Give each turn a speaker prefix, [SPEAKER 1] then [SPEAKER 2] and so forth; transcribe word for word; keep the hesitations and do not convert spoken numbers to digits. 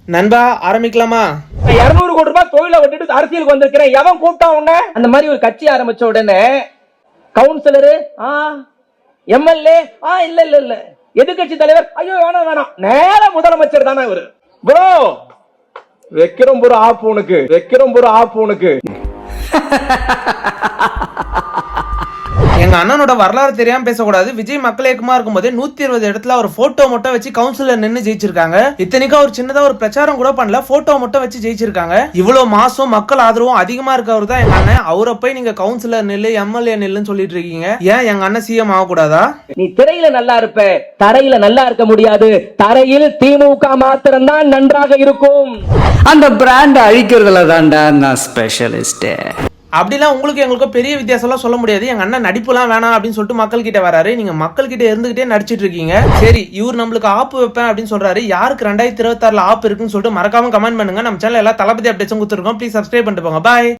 [SPEAKER 1] நண்பா ஆரம்பிக்கலாமா?
[SPEAKER 2] இருநூறு கோடி ரூபாய் தொழிலை விட்டுட்டு அரசியலுக்கு வந்திருக்கிறேன். எவன் கூப்பிட்டா உடனே அந்த மாதிரி ஒரு கட்சி ஆரம்பிச்ச உடனே கவுன்சிலரு எம்எல்ஏ இல்ல இல்ல இல்ல எதிர்கட்சி தலைவர் ஐயோ வேணாம் வேணாம் நேர முதலமைச்சர் தானே இவரு. ப்ரோ வைக்கிறோம் ப்ரோ ஆப் உனக்கு வைக்கிறோம் ப்ரோ ஆப் உனக்கு.
[SPEAKER 1] எங்க அண்ணனோட வரலாறு தெரியாம பேசக்கூடாது. விஜய் மக்கள் இயக்கமா இருக்கும் போதே நூத்தி இருபது இடத்துல ஒரு போட்டோ மட்டும் வச்சு கவுன்சிலர் நின்று ஜெயிச்சிருக்காங்க. இத்தனைக்கும் அவர் சின்னதா ஒரு பிரச்சாரம் கூட பண்ணல, போட்டோ மட்டும் வச்சு ஜெயிச்சிருக்காங்க. இவ்வளவு மாசம் மக்கள் ஆதரவும் அதிகமா இருக்கவர் தான் எங்க அண்ணன். அவரை போய் நீங்க கவுன்சிலர் நெல்லு எம்எல்ஏ நெல்லுன்னு சொல்லிட்டு இருக்கீங்க. ஏன் எங்க அண்ணன் சிஎம் ஆகக்கூடாதா?
[SPEAKER 2] நீ திரையில நல்லா இருப்ப, தரையில நல்லா இருக்க முடியாது. தரையில் திமுக மாத்திரம் தான் நன்றாக இருக்கும்.
[SPEAKER 3] அந்த பிராண்ட் அழிக்கிறதுல தான்டா நான் ஸ்பெஷலிஸ்ட்.
[SPEAKER 1] அப்படிலாம் உங்களுக்கு எங்களுக்கும் பெரிய வித்தியாசம்லாம் சொல்ல முடியாது. எங்க அண்ணன் நடிப்புலாம் வேணாம் அப்படின்னு சொல்லிட்டு மக்கள் கிட்ட வராரு. நீங்க மக்கள் கிட்ட இருந்துகிட்டே நடிச்சிட்டு இருக்கீங்க. சரி, இவர் நம்மளுக்கு ஆப்பு வைப்பேன் அப்படின்னு சொல்றாரு. யாருக்கு ரெண்டாயிரத்தி இருபத்தி ஆறுல ஆப் இருக்குன்னு சொல்லிட்டு மறக்காம கமெண்ட் பண்ணுங்க. நம்ம சேனல் எல்லாம் தளபதி அப்டேட்ஸும் கொடுத்துருக்கோம். ப்ளீஸ் சப்ஸ்கிரைப் பண்ணிட்டு போங்க. பாய்.